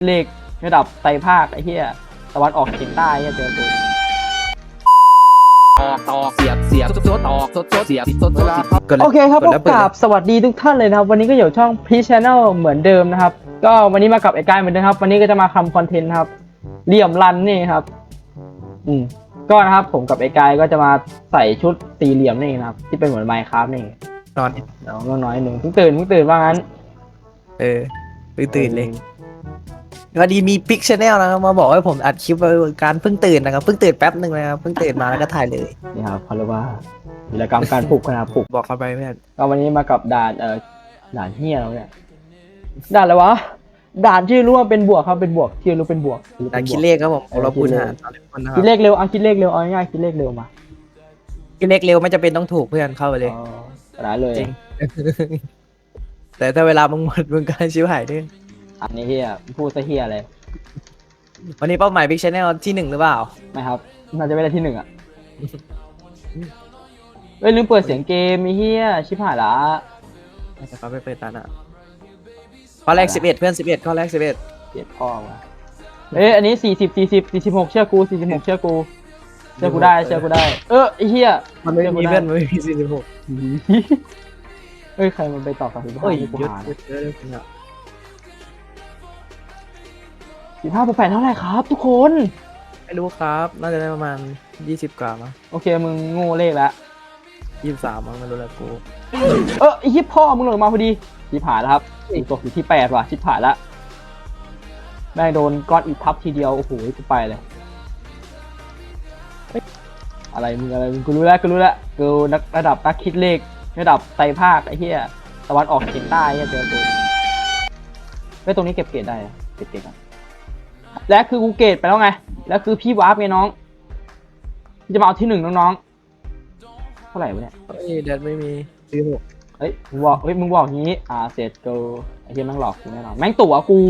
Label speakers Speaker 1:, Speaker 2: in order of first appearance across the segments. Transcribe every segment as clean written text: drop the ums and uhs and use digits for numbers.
Speaker 1: เลขระดับไตรภาคไอ้เหี้ยตะวันออกเฉียงใต้เหี้ยเจอกู
Speaker 2: ตอกเสียบโซตอกโซเสียบโซ
Speaker 1: โอเคครับก็กราบสวัสดีทุกท่านเลยนะครับวันนี้ก็อยู่ช่อง Peach Channel เหมือนเดิมนะครับก็วันนี้มากับไอ้กายเหมือนเดิมครับวันนี้ก็จะมาทำคอนเทนต์ครับเหลี่ยมรันนี่ครับก็นะครับผมกับไอ้กายก็จะมาใส่ชุดสี่เหลี่ยมนี่นะครับที่เป็นเหมือน Minecraft นี่
Speaker 2: นอน
Speaker 1: น้อยหนึ่งเพิ่งตื่นว่างั้น
Speaker 2: ตื่นเลยวันนี้มีพิกชแนลนะครับมาบอกให้ผมอัดคลิปการเพิ่งตื่นนะครับเพิ่งตื่นแป๊บหนึ่งนะครับเพิ่งตื่นมาแล้วก็ถ่ายเลย
Speaker 1: นี่ครับเขาเรียกว่าวีรกรรมการปลุกนะครับปลุก
Speaker 2: บอกเขาไปเพื่อน
Speaker 1: ก็วันนี้มากับด่านด่านเฮียแล้วเนี่ยด่านอะไรวะด่านที่รู้ว่าเป็นบวกครับเป็นบวกที่รู้เป็นบวก
Speaker 2: ด่านคิดเลขครับผมเราพูดหา
Speaker 1: คิดเลขเร็วคิดเลขเร็วเอาง่ายคิดเลขเร็วมา
Speaker 2: คิดเลขเร็วไม่จำเป็นต้องถูกเพื่อนเข้าไปเลย
Speaker 1: ได้เลย
Speaker 2: จริงแต่ถ้าเวลามึงหมดมึงก็ชิวหายด้วย
Speaker 1: อันนี้เฮียพูดซะเฮียเลย
Speaker 2: วันนี้เป้าหมายพิกชแนลที่1หรือเปล่า
Speaker 1: ไม่ครับน่าจะไม่ได้ที่1อ่ะลืมเปิดเสียงเกมไอ้เฮียชิบหายละ
Speaker 2: แต่เขาไปเปิดตาน่ะข้อแรก11เพื่อน11ข้อแรก11
Speaker 1: เกลียดพ่อว่ะอันนี้46เชื่อกู46เชื่อกูได้ไอ้เฮีย
Speaker 2: มันไม่มีเพื่อนมันไม่มี46
Speaker 1: ใครมันไปต่อกับ15กูหา15+8เท่าไหร่ครับทุกคน
Speaker 2: ไม่รู้ครับน่าจะได้ประมาณ20กว่ามั้ง
Speaker 1: โอเคมึงโง่เลขแล้ว
Speaker 2: 23มั้งไม่รู้แล้วกู
Speaker 1: ไอ้ฮิปพ่อมึงหล่นมาพอดีชิบหายแล้วครับตกอยู่ที่8ว่ะชิบหายแล้วแม่งโดนก้อนอิฐทับทีเดียวโอ้โหกูไปเลยอะไรมึงกูรู้แล้วกูนักระดับนักคิดเลขระดับไตรภาคไอ้เหี้ยตะวันออกเฉียงใต้เหี้ยเจอกูตรงนี้เก็บเกรดได้เก็บเกรดกันและคือกูเกรดไปแล้วไงแล้วคือพี่วาร์ปไงน้องจะมาเอาที่1น้องๆเท่าไหร่วะเนี่ย
Speaker 2: แดดไม่มี
Speaker 1: มึงบอกงี้เสร็จกูไอ้เหี้ยแม่งหลอกกูแน่นอนแม่งตั๋วกู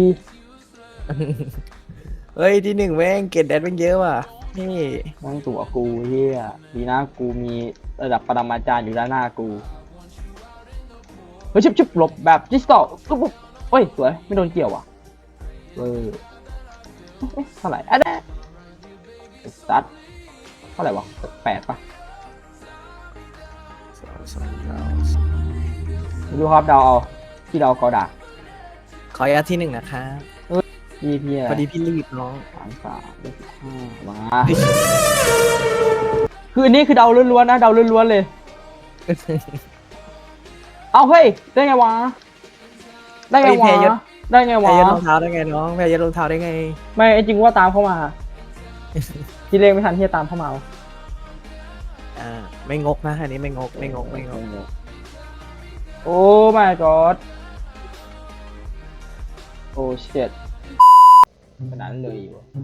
Speaker 2: ที่1แม่งเกรดแดดแม่งเยอะว่ะนี่
Speaker 1: แม่งตั๋วกูเหี้ยดีนะกูมีระดับปรมาจารย์อยู่ด้านหน้ากูชิบหลบแบบดิจิตอลสวยไม่โดนเกี่ยวว่ะเท่าไหร่สัตว์เท่าไหร่วะ8ป่ะดูครับเดาเอาที่เดากอดา
Speaker 2: ขออนุญาตที่1นะครับ
Speaker 1: พี่
Speaker 2: พอดีพี่รีบน้อง
Speaker 1: 33 มาคืออันนี้คือเดาล้วนๆนะเดาล้วนๆเลยเอาเฮ้ยได้ไงวะ
Speaker 2: แพ้ยศรองเท้าได้ไงน้องแพ้ยศรองเท้าได้ไง
Speaker 1: ไม่จริงว่าตามเข้ามาที่เลขไม่ทันที่จะตามเข้ามา
Speaker 2: ไม่งกนะอันนี้ไม่งก
Speaker 1: โอ้ my god โอ้ shit ขนาดนั้นเลย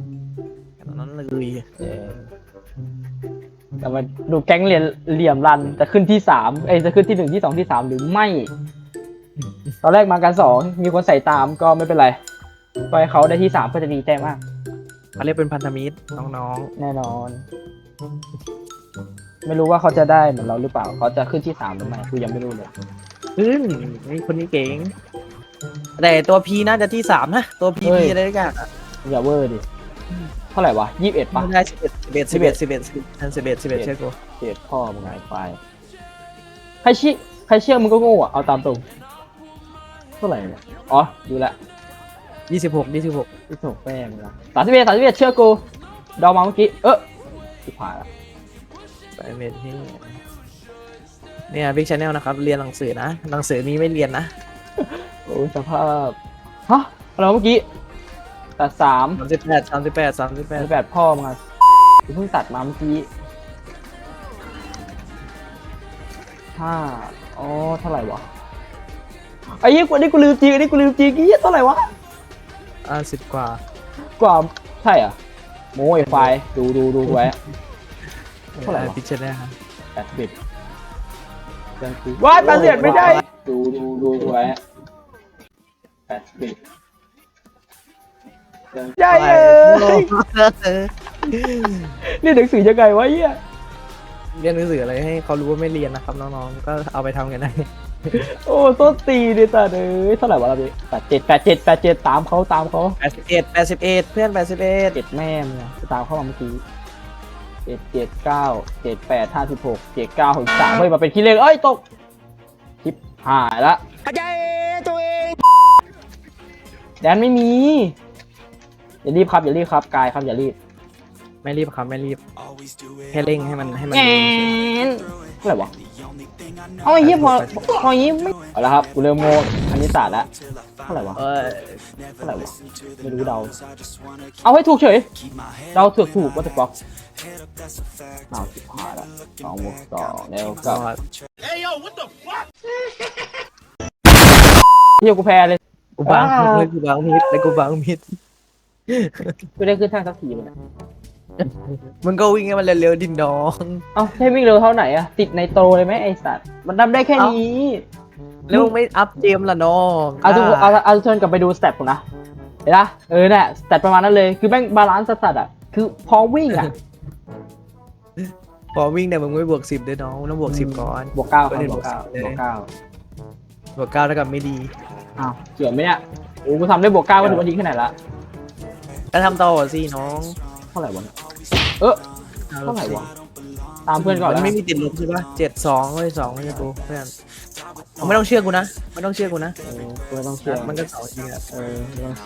Speaker 1: แต่มาดูแก๊งเหลี่ยมรันจะขึ้นที่3จะขึ้นที่1ที่2ที่3หรือไม่ตอนแรกมากัน2มีคนใส่ตามก็ไม่เป็นไรไปเขาได้ที่3ก็จะดีใจมาก
Speaker 2: เขาเรียกเป็นพันธมิตรน้อง
Speaker 1: แน่นอนไม่รู้ว่าเขาจะได้เหมือนเราหรือเปล่าเขาจะขึ้นที่3หรือไม่กูยังไม่รู้เลย
Speaker 2: นี่คนนี้เก่งแต่ตัวพีน่าจะที่3นะตัวพีอะไรกัน
Speaker 1: อย่าเวอร์ดิเท่าไหร่วะ21ป่ะ
Speaker 2: ได้11ใช่กู
Speaker 1: 11พ่อมึงไงไปใครเชื่อมึงก็โง่เอาตามตรงเท่าไหร่เนี่ยดูแล26แป้งนะ31เชื่อกูเดามาเมื่อกี้สุดท้ายละ
Speaker 2: เมทที่เนี่ยบิ๊กชาแนลนะครับเรียนหนังสือนะหนังสือมีไม่เรียนนะ
Speaker 1: โอ้สภาพอะไรเมื่อกี้38พ่อมึงกูเพิ่งตัดมาเมื่อกี้5เท่าไหร่วะไอ้ยี่กูนี่กูลืมจริงเท่าไหร่วะ
Speaker 2: 10กว่า
Speaker 1: ใช่อ่ะโม้ไอ้ไฟดูไว้เท่าไหร่
Speaker 2: พิชแนล
Speaker 1: 80ว้าย80ไม่ได้ดูไว้80ใช่นี่หนังสือยังไงวะเหี้ย
Speaker 2: เรียนหนังสืออะไรให้เขารู้ว่าไม่เรียนนะครับน้องๆก็เอาไปทำกันได้
Speaker 1: โอ้ต้นตีดิสัตว์เอ้ยเท่าไหร่วะเราพี่87ตามเขา
Speaker 2: 81เพื่อน81
Speaker 1: เจ็ดแม่มึงอะตามเข้ามาเมื่อกี้7 9 7 8 56 7 9 63เฮ้ยมาเป็นขี้เล่นเอ้ยตกชิปหายละแดนไม่มีอย่ารีบครับกายครับอย่ารีบ
Speaker 2: ไม่รีบครับไม่รีบแค่เร่งให้มัน
Speaker 1: แงนเท่าไหร่วะเอาไอ้เหี้ยพออย่างงี้ไม่เอาละครับกูเริ่มโง่คณิตศาสตร์แล้วเท่าไหร่วะเท่าไหร่วะไม่รู้เดาเอาให้ถูกเฉยเดาถูกว่าจะบล็อกเอาสิบห้าละ2 บวก 2แล้วก็เฮียกูแพ้เลย
Speaker 2: กูบางมิดกูบางมิด
Speaker 1: กูได้ขึ้นทางสักทีมันย
Speaker 2: มึงก็วิ่งให้มันเร็วๆดินน้อง
Speaker 1: เอ้าให้วิ่งเร็วเท่าไหนอะติดในโตเลยไหมไอสัตว์มันทำได้แค่นี้
Speaker 2: แล้วมึงไม่อัพเจมล่ะน้อง
Speaker 1: เอาทุกคนกลับไปดูสเต็ปผมนะเห็นปะเนี่ยสเต็ปประมาณนั้นเลยคือแม่งบาลานซ์สัตว์อะคือพอวิ่งอะ
Speaker 2: พอวิ่งเนี่ยมึงไม่บวก10ด้วยน้องมึงต้องบวก10ก่อน
Speaker 1: บวก 9ครับ
Speaker 2: ไม่ได้
Speaker 1: บวก
Speaker 2: บวก
Speaker 1: 9
Speaker 2: บวก9เท่ากับไม่ดี
Speaker 1: อ้าวเกี่ยวไหมเนี่ยโอ้กูทำได้บวก 9ก็ถือว่าดีแค่ไหนละ
Speaker 2: แล้วทำต่อสิน้อง
Speaker 1: เท่าไหร่วะเท่าไหร่วะตามเพื่อนก่อน
Speaker 2: มั
Speaker 1: แล้ว
Speaker 2: นไม่มีติดลบใช่ปะ72เลย2ไม่ใช่กูเพื่อนไม่ต้องเชื่อกูนะไม่ต้องเชื่อกูนะ
Speaker 1: กูไม่ต้องเชื่อ
Speaker 2: มันก็2จริงอะ
Speaker 1: ไม่ต้อง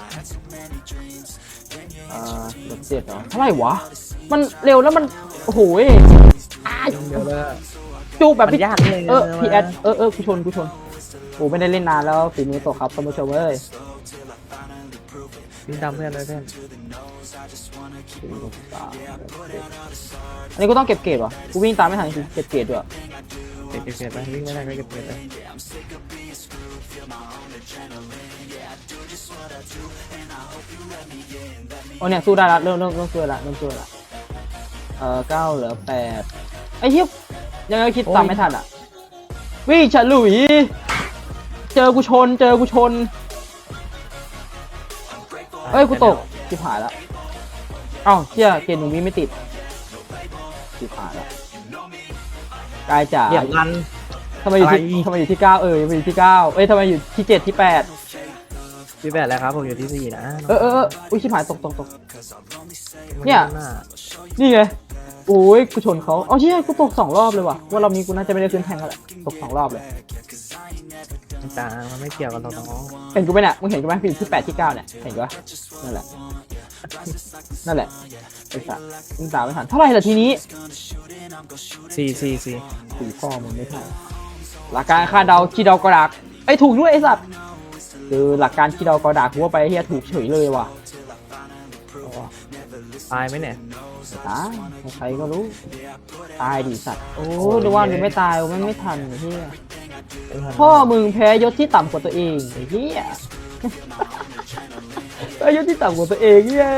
Speaker 1: ลบ7เหรอเท่าไหร่วะมันเร็วแล้วมันโอ้โห
Speaker 2: เดี๋ยวเลย
Speaker 1: จูบแบบ
Speaker 2: มันยากเลย
Speaker 1: พี่แอดกูชนโอ้ไม่ได้เล่นนานแล้วฝีมือตกครับท่านผู้ชมเอ้ย
Speaker 2: วิ่งตามเพื่อนเลยเพื่อน
Speaker 1: อันนี้กูต้องเก็บเกรดวะกูวิ่งตามไม่ทันจริงเก็บเกรดด้วย
Speaker 2: เก็บไปวิ่งไม่ได้ก็เก็บไป
Speaker 1: โอ้เนี่ยสู้ได้ละเริ่มสู้ละ9 เหลือ 8ไอ้เหี้ยยังไงคิดตามไม่ทันอ่ะวิ่งฉลุยเจอกูชนเอ้ยกูตกชิบหายละเอ้าเชี่ยเกณฑ์หนึ่งวิไม่ติดชิบหายละกายจ๋า
Speaker 2: เหยียบรัน
Speaker 1: ทำไมอยู่ที่9ทำไมอยู่ที่9เอ้ยทำไมอยู่ที่7ที่8
Speaker 2: พี่แบดแล้วครับผมอยู่ที่4นะ
Speaker 1: อุ้ยชิบหายตกเนี่ยนี่ไงโอ้ยกูชนเขาเอาเชี่ยกูตก2 รอบเลยว่ะว่าเรามีกูน่าจะไม่ได้ขึ้นแทงแล้วแหละตก2 รอบเลย
Speaker 2: ต่างมันไม่เกี่ยวกับเราน้อง
Speaker 1: เห็นกูไหมเนี่ยมึงเห็นกูไหมพี่ที่8ที่9เนี่ยเห็นกูปะนั่นแหละไอ้สัสมึงตามไม่ทันเท่าไหร่ล่ะทีนี้
Speaker 2: 4
Speaker 1: พ่อมึงไม่ทันหลักการคาดเดาขี้เดากระดากไอ้ถูกด้วยไอ้สัตว์คือหลักการขี้เดากระดากกูว่าไปเฮียถูกเฉยเลยว่ะ
Speaker 2: ตายไหมเนี่ย
Speaker 1: ตายใครก็รู้ตายดิสัตว์โอ้ดูว่ามึงไม่ตายมันไม่ทันไอ้เฮียพ่อมึงแพ้ยศที่ต่ำกว่าตัวเองไอ้เฮียแพ้ยศที่ต่ำกว่าตัวเองเย้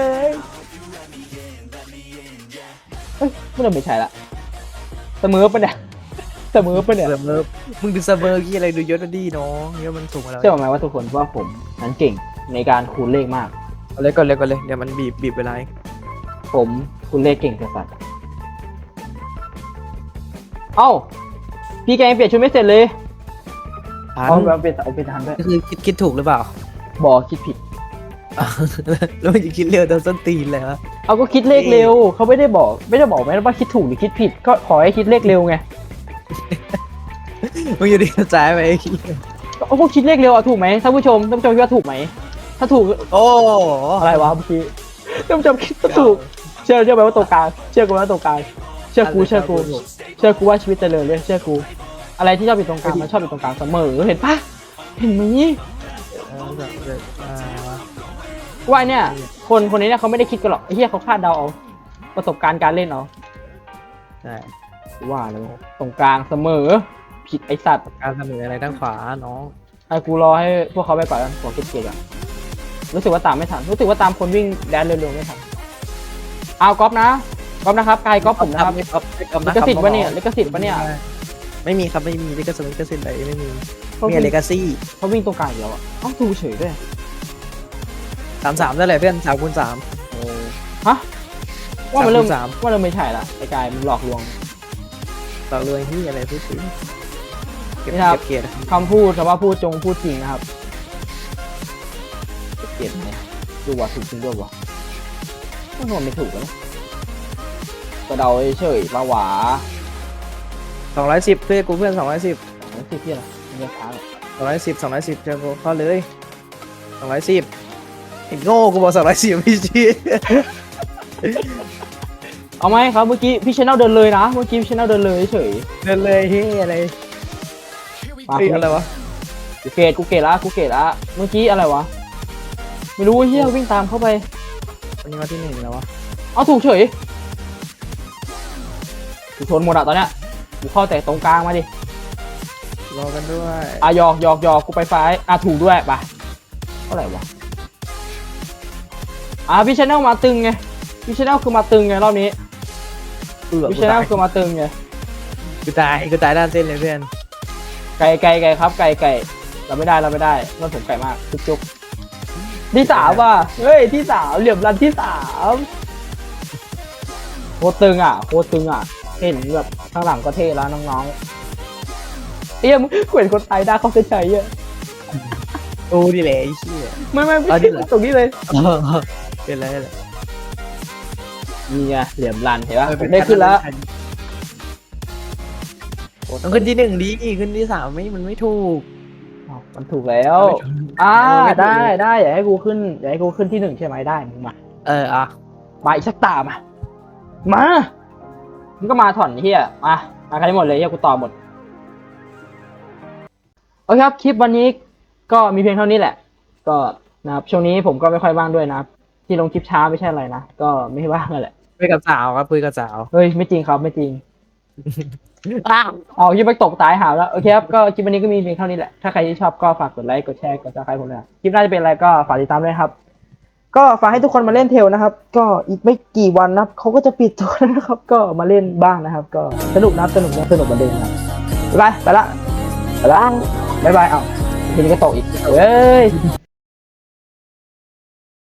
Speaker 1: เฮ้ยไม่ใช่ละเสมอปะเนี่ย
Speaker 2: มึงดูเสมอกี่อะไรดูยศดีน้องเยอะมันสูงมาแล้ว
Speaker 1: เชื่อไหมว่าทุกคนว่าผมนั้นเก่งในการคูณเลขมาก
Speaker 2: เอาเลยก่อนเลยเดี๋ยวมันบีบเวลา
Speaker 1: ผมคูณเลขเก่งสัสเอ้าพี่แกยังเปลี่ยนชุดไม่เสร็จเลยเอาเปลี่ยนทันด้วย
Speaker 2: ก็คือคิดถูกหรือเปล่า
Speaker 1: บอกคิดผิด
Speaker 2: แล้วมันจะคิดเร็วโดนส้นตีนเลยฮะ
Speaker 1: เอาก็คิดเลขเร็วเขาไม่ได้บอกไหมว่าคิดถูกหรือคิดผิดก็ขอให้คิดเลขเร็วไง
Speaker 2: มึงอยู่ดีกระจายไป
Speaker 1: ก็พวกคิดเลขเร็วอะถูกไหมท่านผู้ชมคิดว่าถูกไหมถ้าถูก
Speaker 2: โอ้
Speaker 1: อะไรวะเมื่อกี้ท่านผู้ชมคิดว่าถูกเชื่อไหมว่าตรงกลางเชื่อกูว่าตรงกลางเชื่อกูว่าชีวิตเจริญเลยเชื่อกูอะไรที่ชอบอยู่ตรงกลางมันชอบอยู่ตรงกลางเสมอเห็นปะเห็นไหมว่าเนี่ยคนนี้เนี่ยเขาไม่ได้คิดกันหรอกไอ้เหี้ยเขาคาดเดาเอาประสบการณ์การเล่นเอา
Speaker 2: ใช่
Speaker 1: ว่าเลยตรงกลางเสมอผิดไอสัตว์
Speaker 2: การเสนออะไรด้านขวาน้อง
Speaker 1: ไอ้กูรอให้พวกเขาไปก่อนแล้วขอเก็บเกมก่อนรู้สึกว่าตามไม่ทันรู้สึกว่าตามคนวิ่งแดนเร็วๆไม่ทันเอาก๊อฟนะครับกายก๊อฟผมนะครับลิขสิทธิ์ปะเนี่ย
Speaker 2: ไม่มีครับไม่มีลิขสิทธิ์อะไรไม่มีมีเลกาซี่
Speaker 1: เขาวิ่งตรงกลางเดียวอ่ะเอ้าดูเฉยด้วย
Speaker 2: 33ได้เลยเพื่อน3 คูณ
Speaker 1: ฮะว่ามันเริ่ม
Speaker 2: 3
Speaker 1: ว่าเราไม่ใช่ละไอ้กายมันหลอกลวง
Speaker 2: ต่อเลยที่อะไรพูดถึงเก็บ
Speaker 1: นี่ครับ
Speaker 2: เกียรติ
Speaker 1: คำพูดคำว่าพูดจงพูดจริงนะครับเก็บไหมดูว่าถูกจริงด้วยวะไม่ถูกแล้วกระเดาเฉยๆมาหวา
Speaker 2: 210เพื่อนกูเพื่อน210
Speaker 1: ไม่ติดที่อะไรมันยังช้าเลย
Speaker 2: 210เจอกูเข้าเลย210ไอ้โง่กูบอก210พี่ชี้
Speaker 1: เอาไหมครับเมื่อกี้พี่ชแนลเดินเลยนะเมื่อกี้พี่ชแนลเดินเลยเฉย
Speaker 2: เดินเลยเฮ้ยอะไร
Speaker 1: มา
Speaker 2: เฮ้ยอะไรวะ
Speaker 1: กูเกตละเมื่อกี้อะไรวะไม่รู้เฮียวิ่งตามเข้าไป
Speaker 2: วันนี้วันที่1แล้ววะ
Speaker 1: เอาถูกเฉยกูชนหมดอะตอนเนี้ยกูเข้าแต่ตรงกลางมาดิ
Speaker 2: รอกันด้วย
Speaker 1: หยอกกูไปซ้ายถูกด้วยไปเท่าไหร่วะพี่ชแนลมาตึงไงพี่ชแนลคือมาตึงไงรอบนี้พี่ชแนลคือมาตึงไง
Speaker 2: กูตายด้านเส้นเลยเพื่อน
Speaker 1: ไก่ครับไก่เราไม่ได้มันผมไก่มากจุกที่3ว่ะเฮ้ยที่3เหลี่ยมรันที่3โคตรตึงอ่ะเห็นแบบข้างหลังก็เท่แล้วน้องๆมึงเห็นคนไทยได้เขาเส้นชัยเยอะ
Speaker 2: โอ้ดิแหละไอ้เหี้ย
Speaker 1: ไม่
Speaker 2: เอาดิเหรอ
Speaker 1: ตรงนี้เลย
Speaker 2: เป็นไร
Speaker 1: นี่ไงเหลี่ยมรันเห็นป่ะผมได้ขึ้นแล้ว
Speaker 2: ต้องขึ้นที่1ดีขึ้นที่3มันไม่ถูก
Speaker 1: มันถูกแล้วได้อยากให้กูขึ้นที่1ใช่ไหมได้มึงมา
Speaker 2: อ่ะ
Speaker 1: มาอีกสักตามามึงก็มาถอนเฮียมาใครหมดเลยเฮียกูต่อหมดโอเคครับคลิปวันนี้ก็มีเพียงเท่านี้แหละ ก็นะครับช่วงนี้ผมก็ไม่ค่อยว่างด้วยนะครับที่ลงคลิปช้าไม่ใช่อะไรนะก็ไม่ว่างนั่นแหละ
Speaker 2: คุยกับสาวครับคุยกับสาว
Speaker 1: เฮ้ยไม่จริงครับไม่จริงเอาคลิปไปตกตายหาแล้วโอเคครับก็คลิปวันนี้ก็มีเพียงเท่านี้แหละถ้าใครที่ชอบก็ฝากกดไลค์กดแชร์กดซับสไครต์ผมด้วยคลิปหน้าจะเป็นอะไรก็ฝากติดตามด้วยครับก็ฝากให้ทุกคนมาเล่นเทลนะครับ ก็อีกไม่กี่วันนะครับเขาก็จะปิดตัวนะครับ ก็มาเล่นบ้างนะครับ ก็สนุกนะสนุกเหมือนเดิมนะไปละบ๊ายบายเอาทีนี้ก็ตกอีกเฮ้ย